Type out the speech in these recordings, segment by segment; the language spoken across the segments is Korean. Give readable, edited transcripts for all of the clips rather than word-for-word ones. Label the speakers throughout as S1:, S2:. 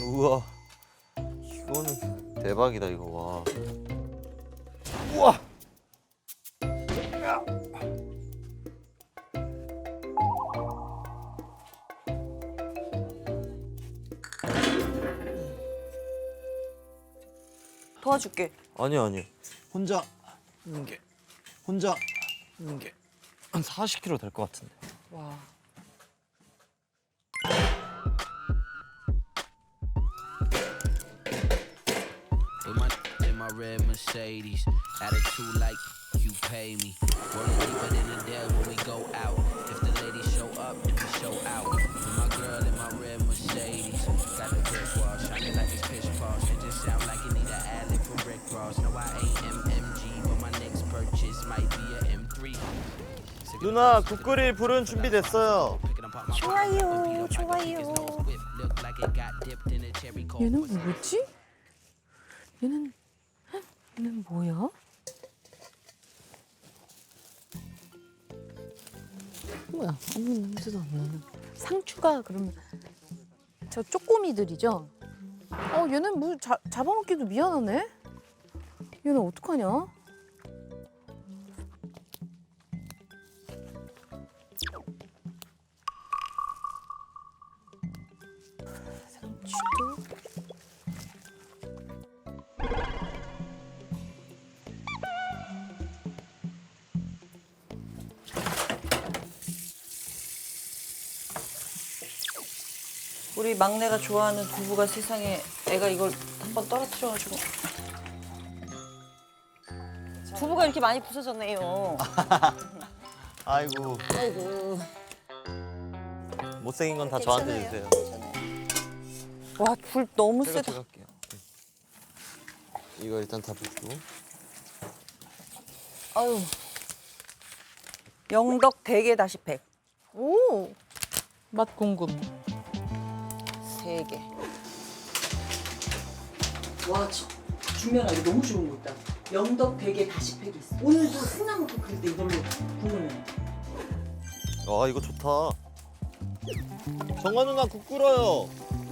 S1: 우와, 이거는 대박이다 이거. 와. 우와.
S2: 도와줄게.
S1: 아니. 혼자 있는 게 한 40kg 될 것 같은데.
S2: 와.
S3: In my red Mercedes, attitude like you pay me. Rolling deeper than the dead when we go out. If the ladies show up, then we show out. With my girl in my red Mercedes, got the brick wall shining like it's pitch balls. It just sound like you need an alley for Rick Ross. No, I ain't MMG, but my next purchase might be a M3.
S1: 누나 국 끓일 불은 준비됐어요.
S2: 좋아요.
S4: 얘는 뭐지? 얘는 뭐야? 뭐야? 아무 냄새도 안 나는. 상추가 그러면 저 쪼꼬미들이죠? 얘는 뭐 잡아먹기도 미안하네? 얘는 어떡하냐? 상추도
S2: 우리 막내가 좋아하는 두부가 세상에 애가 이걸 한번 떨어뜨려가지고 두부가 이렇게 많이 부서졌네요.
S1: 아이고. 못생긴 건 다 저한테 주세요.
S2: 와, 불 너무
S1: 제가
S2: 세다.
S1: 할게요. 이거 일단 다 붓고.
S2: 아유. 영덕 대게 다시 팩.
S4: 오! 맛 궁금.
S2: 3개. 와, 준면아 이거 너무 좋은 거 있다. 영덕 대게 다시 팩이 있어. 오늘도 승나무국 그릴 때 이걸로 국물내.
S1: 아 이거 좋다. 정화 누나 국 끓어요.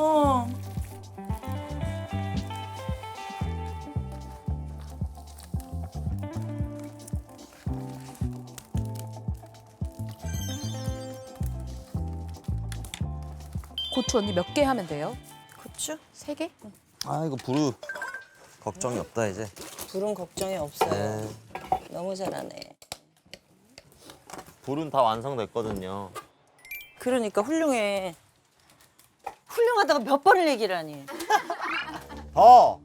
S4: 고추 언니 몇 개 하면 돼요?
S2: 고추?
S4: 3개?
S1: 아 이거 부르 걱정이 없다 이제.
S2: 불은 걱정이 없어요.
S1: 네.
S2: 너무 잘하네.
S1: 불은 다 완성됐거든요.
S2: 그러니까 훌륭해. 훌륭하다가 몇 번을 얘기를 하니.
S1: 더.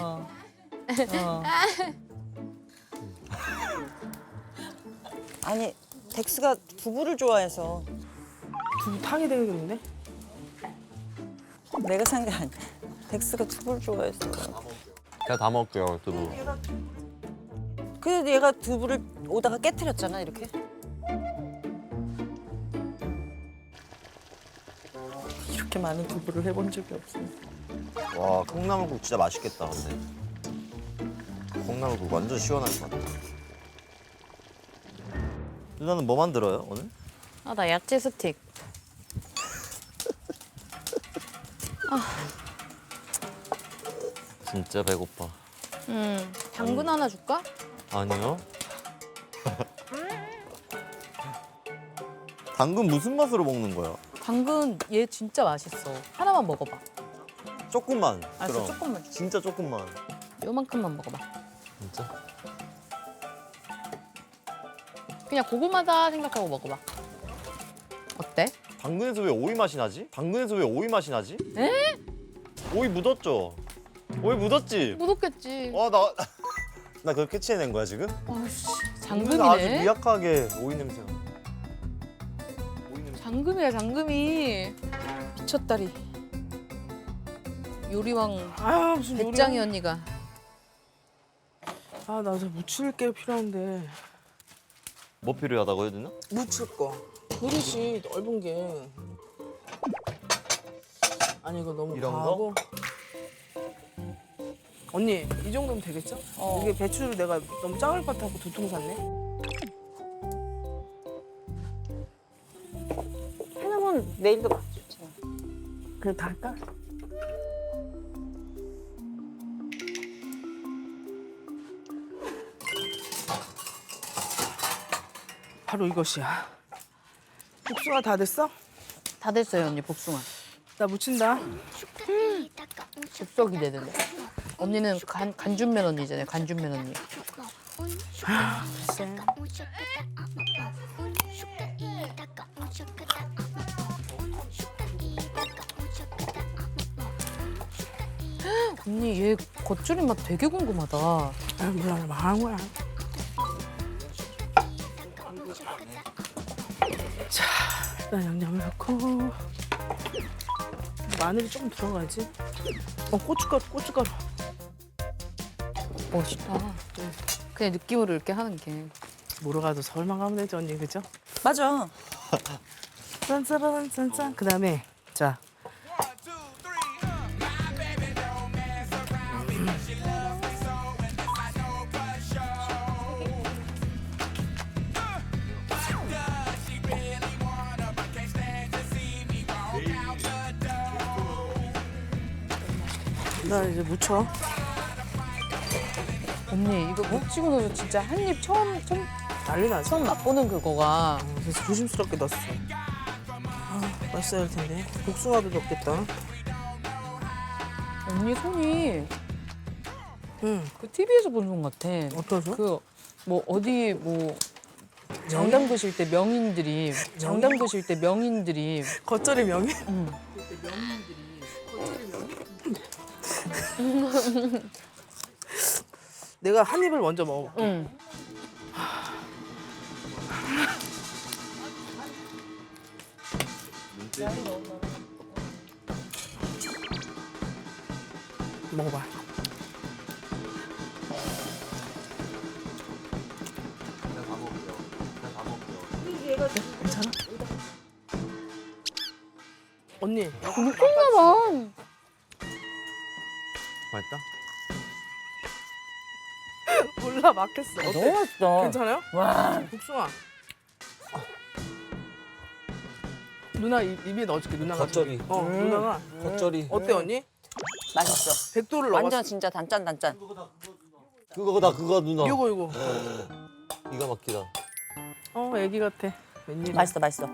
S2: 아니, 덱스가 두부를 좋아해서
S5: 두부탕이 되겠는데?
S2: 내가 산 게 아니야. 덱스가 두부를 좋아해서.
S1: 제가 다 먹을게요 두부.
S2: 그래도 얘가 두부를 오다가 깨트렸잖아, 이렇게. 이렇게 많은 두부를 해본 적이 없어.
S1: 와 콩나물국 진짜 맛있겠다 근데. 콩나물국 완전 시원할 것 같아. 누나는 뭐 만들어요 오늘?
S4: 나 야채 스틱.
S1: 진짜 배고파.
S4: 당근 하나 줄까?
S1: 아니요. 당근 무슨 맛으로 먹는 거야?
S4: 당근 얘 진짜 맛있어. 하나만 먹어봐.
S1: 조금만.
S4: 알았어,
S1: 그럼.
S4: 조금만.
S1: 진짜 조금만.
S4: 요만큼만 먹어봐.
S1: 진짜?
S4: 그냥 고구마다 생각하고 먹어봐. 어때?
S1: 당근에서 왜 오이 맛이 나지? 당근에서 왜 오이 맛이 나지?
S4: 에?
S1: 오이 묻었죠? 오이 묻었지?
S4: 묻었겠지.
S1: 와, 나 그걸 캐치해낸 거야, 지금?
S4: 아씨,
S1: 당근에서 아주
S4: 장금이네.
S1: 미약하게 오이 냄새가. 오이 냄새.
S4: 장금이야, 장금이. 미쳤다리. 요리왕
S5: 아 무슨
S4: 배짱이 언니가.
S5: 아나 저 묻힐 게 필요한데.
S1: 뭐 필요하다고요, 누나?
S5: 묻힐 거. 그릇이 넓은 게. 아니 이거 너무
S1: 이런 거?
S5: 과하고. 언니 이 정도면 되겠죠? 이게 배추를 내가 너무 작을 것 같아서 2통 샀네.
S2: 해놓으면 내일도 맛있잖아.
S5: 그냥 다 할까? 바로 이것이야. 복숭아 다 됐어?
S4: 다 됐어요 언니 복숭아.
S5: 나 묻힌다.
S4: 즉석이 되는데. 언니는 간준면 언니잖아요. 간준면 언니. 언니 얘 겉절이 맛 되게 궁금하다.
S5: 아, 몰라, 망한 거야. 자, 일단 양념을 넣고. 마늘이 조금 들어가지. 고춧가루.
S4: 멋있다. 그냥 느낌으로 이렇게 하는 게.
S5: 뭐로 가도 서울만 가면 되죠, 언니, 그죠?
S2: 맞아.
S5: 짠짜란짠짠. 그 다음에, 자. 나 이제 묻혀.
S4: 언니 이거 묵히고 나서 진짜 한 입 처음
S5: 난리 나지.
S4: 맛보는 그거가.
S5: 그래서 조심스럽게 넣었어. 맛있어야 할 텐데. 복숭아도 넣겠다.
S4: 언니 손이
S5: 응.
S4: 그 TV에서 본 손 같아.
S5: 어떠서?
S4: 그 뭐 어디 뭐 장담 드실 때 명인들이
S5: 겉절이 명이? 내가 한 입을 먼저 먹어볼게.
S4: 응.
S5: 먹어봐. 괜찮아? 언니,
S4: 미쳤나 봐.
S1: 맛있다?
S5: 몰라 막혔어.
S4: 너무
S5: 어때?
S4: 맛있다.
S5: 괜찮아요?
S4: 와.
S5: 복숭아. 누나 입에 넣어줄게. 누나가.
S6: 겉절이.
S5: 누나가.
S6: 겉절이.
S5: 어때 언니?
S2: 맛있어.
S5: 백도를 넣었어.
S2: 완전 진짜 단짠.
S6: 그거다 그거 누나.
S5: 이거.
S6: 기가 막히다.
S5: 애기 같아. 웬일이야.
S2: 맛있어.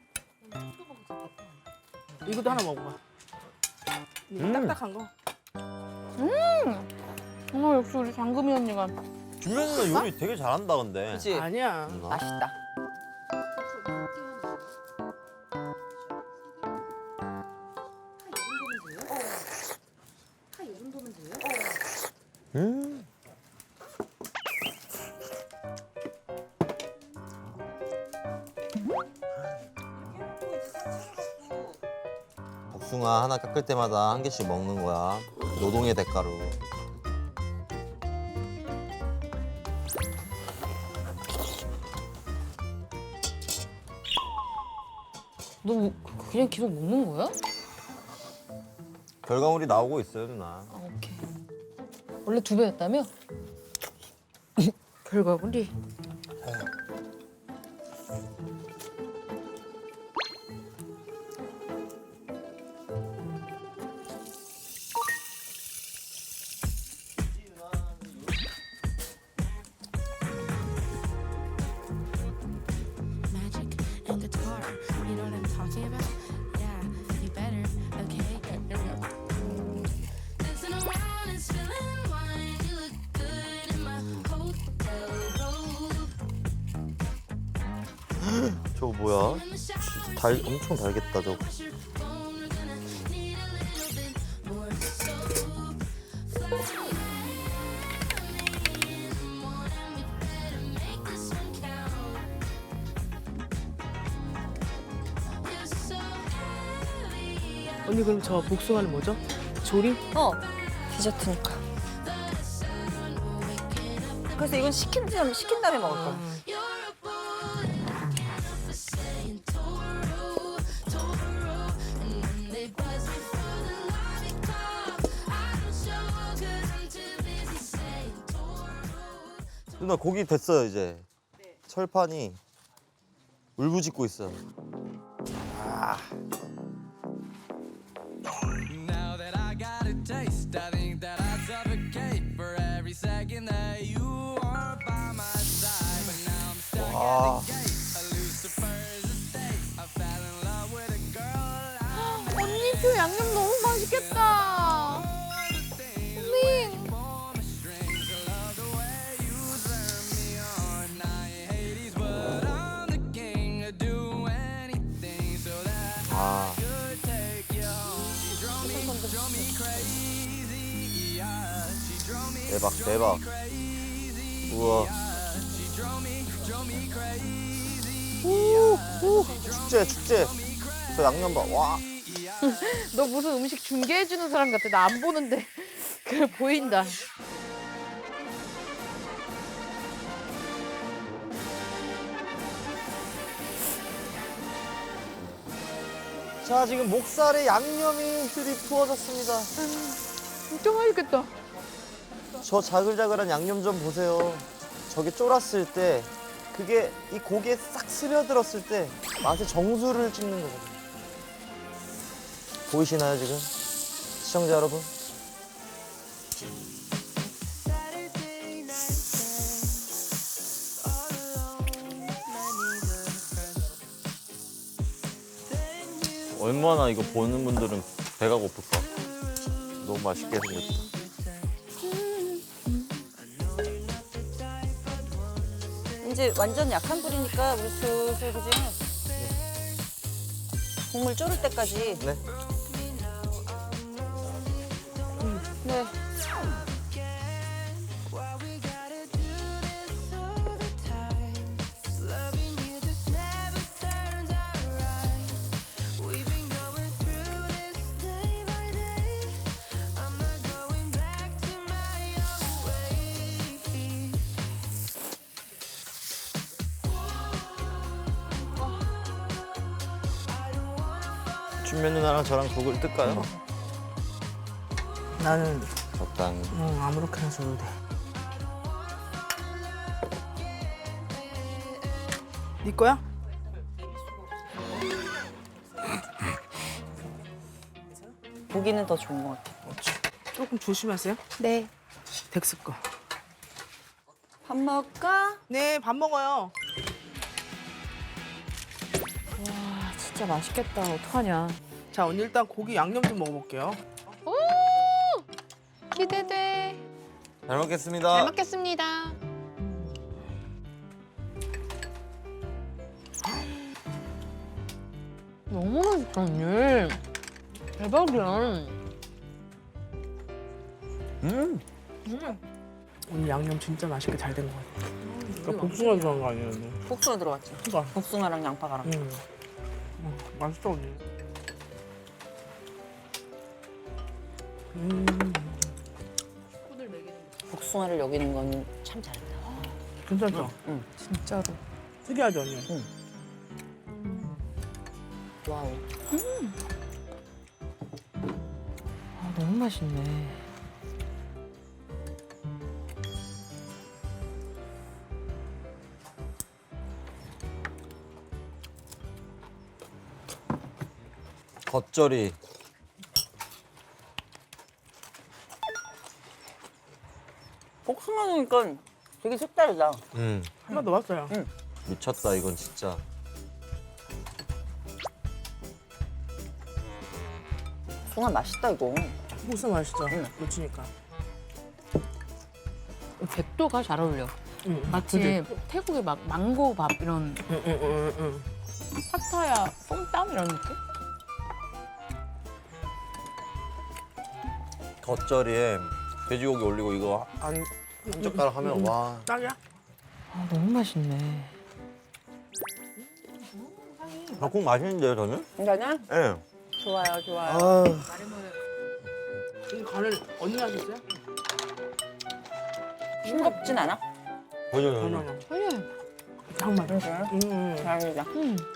S5: 이것도 하나 먹어봐. 딱딱한 거.
S4: 역시 우리 장금이 언니가.
S1: 준면 누나 요리 되게 잘한다 근데.
S2: 그치?
S5: 아니야.
S1: 누나?
S2: 맛있다.
S1: 복숭아 하나 깎을 때마다 한 개씩 먹는 거야. 노동의 대가로.
S4: 너 그냥 계속 먹는 거야?
S1: 결과물이 나오고 있어요 누나.
S4: 아, 오케이. 원래 2배였다며? 결과물이.
S7: Magic and guitar, you know what I'm talking about? Yeah, you better, okay? Dancing around and spilling wine, you look good in my hotel robe.
S1: 저거 뭐야?
S7: In the shower,
S1: 엄청 달겠다 저거.
S7: wash your phone, we're gonna need a little bit more soap. Fly me in the morning, we better make this one count. You're so heavy,
S5: 언니 그럼 저 복숭아는 뭐죠? 조림?
S2: 디저트니까. 그래서 이건 시킨 다음에 먹을 거야.
S7: you're a boy. For saying Toro, and when they buzz me for the lollipop, I don't show 'cause I'm too busy saying Toro.
S1: 누나 고기 됐어요 이제. 철판이 울부짖고 있어.
S3: Now that I got a taste, I think that I'd suffocate for every second that you are by my side. But now I'm stuck at the gate,
S4: 저 양념 너무 맛있겠다. 밍.
S1: 아. 대박 대박. 우와. 축제 축제. 저 양념 봐. 와.
S4: 너 무슨 음식 중계해주는 사람 같아. 나 안 보는데 그 보인다.
S1: 자 지금 목살에 양념이 들이부어졌습니다.
S4: 진짜 맛있겠다.
S1: 저 자글자글한 양념 좀 보세요. 저게 쫄았을 때 그게 이 고기에 싹 스며들었을 때 맛의 정수를 찍는 거거든요. 보이시나요 지금? 시청자 여러분? 얼마나 이거 보는 분들은 배가 고플까? 너무 맛있게 생겼다.
S8: 이제 완전 약한 불이니까 우리 슬슬 그지? 국물 졸을 때까지.
S1: 네.
S8: 네.
S1: 춘면 누나랑 저랑 국을 뜰까요?
S5: 나는
S1: 적당히.
S5: 아무렇게나 줘도 돼. 네 거야?
S8: 고기는 더 좋은 것 같아.
S5: 조금 조심하세요.
S4: 네.
S5: 덱스 거.
S8: 밥 먹을까?
S5: 네, 밥 먹어요.
S4: 와 진짜 맛있겠다. 어떡하냐.
S5: 자, 언니 일단 고기 양념 좀 먹어볼게요.
S4: 기대돼.
S1: 잘 먹겠습니다.
S4: 잘 먹겠습니다. 너무 맛있다 언니. 대박이야.
S5: 오늘 양념 진짜 맛있게 잘 된 것 같아. 그러니까 복숭아 들어간 거 아니에요, 언니?
S8: 복숭아 들어갔지?
S5: 그러니까.
S8: 복숭아랑 양파가랑.
S5: 맛있다, 언니.
S8: 복숭아를 여기는 건 참 잘했다.
S5: 괜찮죠?
S4: 진짜로.
S5: 특이하죠, 언니?
S8: 와우.
S4: 아 너무 맛있네.
S1: 겉절이.
S8: 복숭아 넣으니까 되게 색다르다.
S5: 한 번 넣었어요.
S1: 미쳤다 이건 진짜.
S8: 복숭아 맛있다 이거.
S5: 복숭아 맛있죠? 놓치니까.
S4: 백도가 잘 어울려. 마치
S5: 그지?
S4: 태국의 막 망고밥 이런 파타야 솜땀 이런 느낌?
S1: 겉절이에 돼지고기 올리고 이거 한 젓가락 하면 와.
S5: 딱이야?
S4: 아 너무 맛있네.
S1: 닭국 맛있는데요 저는?
S8: 괜찮아?
S1: 예.
S8: 좋아요, 좋아요.
S1: 아,
S5: 이 간을 언니 하셨어요?
S8: 싱겁진 않아?
S1: 전혀
S5: 아니요.
S4: 전혀.
S5: 딱 맞아.
S8: 다행이다.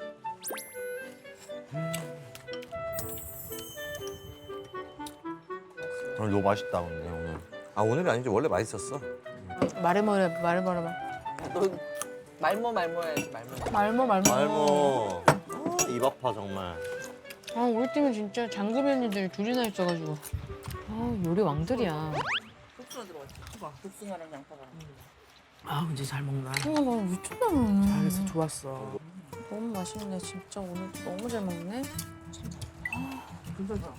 S1: 오늘 너무 맛있다 근데 오늘. 아 오늘이 아니지 원래 맛있었어.
S4: 말해버려.
S8: 너 말모 해야지, 말모.
S4: 말모.
S1: 말모. 입 아파 정말.
S4: 아 우리 팀은 진짜 장금 언니들이 둘이나 있어가지고. 아 요리 왕들이야.
S8: 복숭아 들어갔지? 복숭아랑 양파가랑.
S5: 아, 근데 잘 먹나?
S4: 나 미쳤나.
S5: 잘해서 좋았어.
S4: 너무 맛있네. 진짜 오늘 너무 잘 먹네.
S5: 괜찮다.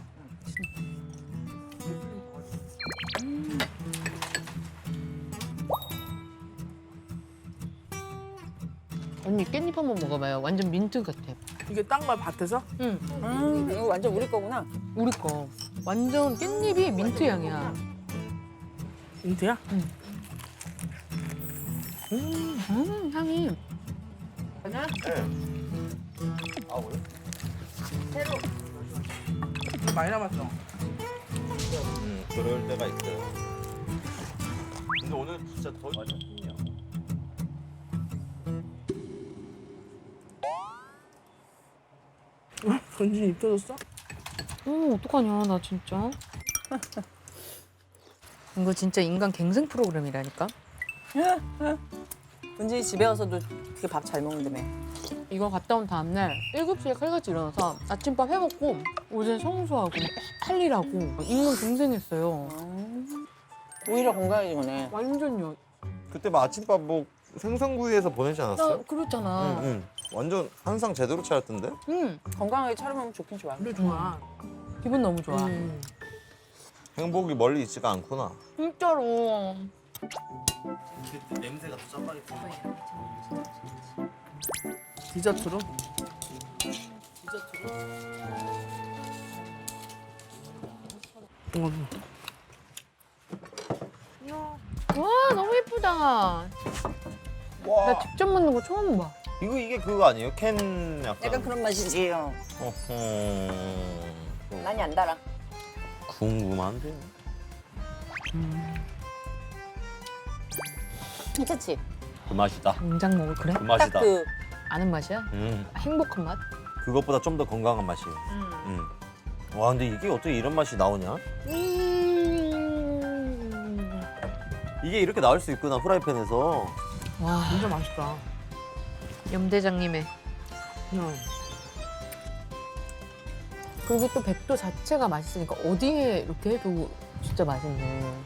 S4: 언니 깻잎 한번 먹어봐요. 완전 민트 같아.
S5: 이게 딴 거야 밭에서?
S4: 응,
S8: 이거 완전 우리 거구나.
S4: 우리 거. 완전 깻잎이 민트 향이야.
S5: 민트야?
S4: 향이.
S1: 아 그래?
S5: 많이 남았어.
S1: 그럴 때가 있어요. 근데 오늘 진짜 더 맞아.
S5: 건진이 입 터졌어?
S4: 어떡하냐, 나 진짜. 이거 진짜 인간 갱생 프로그램이라니까.
S8: 은진이 집에 와서도 되게 밥 잘 먹는다며.
S4: 이거 갔다 온 다음날 7시에 칼같이 일어나서 아침밥 해먹고 오전 청소하고 할 일하고 인간 갱생했어요.
S8: 오히려 건강해진 거네.
S4: 완전요.
S1: 그때 막 아침밥 뭐 생선구이해서 보내지 않았어요?
S4: 나 그렇잖아.
S1: 응. 완전 항상 제대로 차렸던데?
S4: 응.
S8: 건강하게 차려먹으면 좋긴 좋아.
S5: 그래 좋아.
S4: 기분 너무 좋아.
S1: 행복이 멀리 있지가 않구나.
S4: 진짜로.
S1: 냄새가 더 짜파게티.
S5: 디저트로?
S4: 와, 너무 예쁘다. 나
S1: 와.
S4: 직접 만든 거 처음 봐.
S1: 이게 그거 아니에요? 캔 약간.
S8: 약간 그런 맛이지.
S1: 어허.
S8: 많이 안 달아.
S1: 궁금한데.
S8: 괜찮지?
S6: 그 맛이다.
S4: 당장 먹을 그래?
S6: 그 맛이다.
S8: 딱 그
S4: 아는 맛이야? 행복한 맛?
S1: 그것보다 좀 더 건강한 맛이에요. 와 근데 이게 어떻게 이런 맛이 나오냐? 이게 이렇게 나올 수 있구나 프라이팬에서.
S4: 와,
S5: 진짜 맛있다.
S4: 염 대장님의. 그리고 또 백도 자체가 맛있으니까 어디에 이렇게 해도 진짜 맛있네.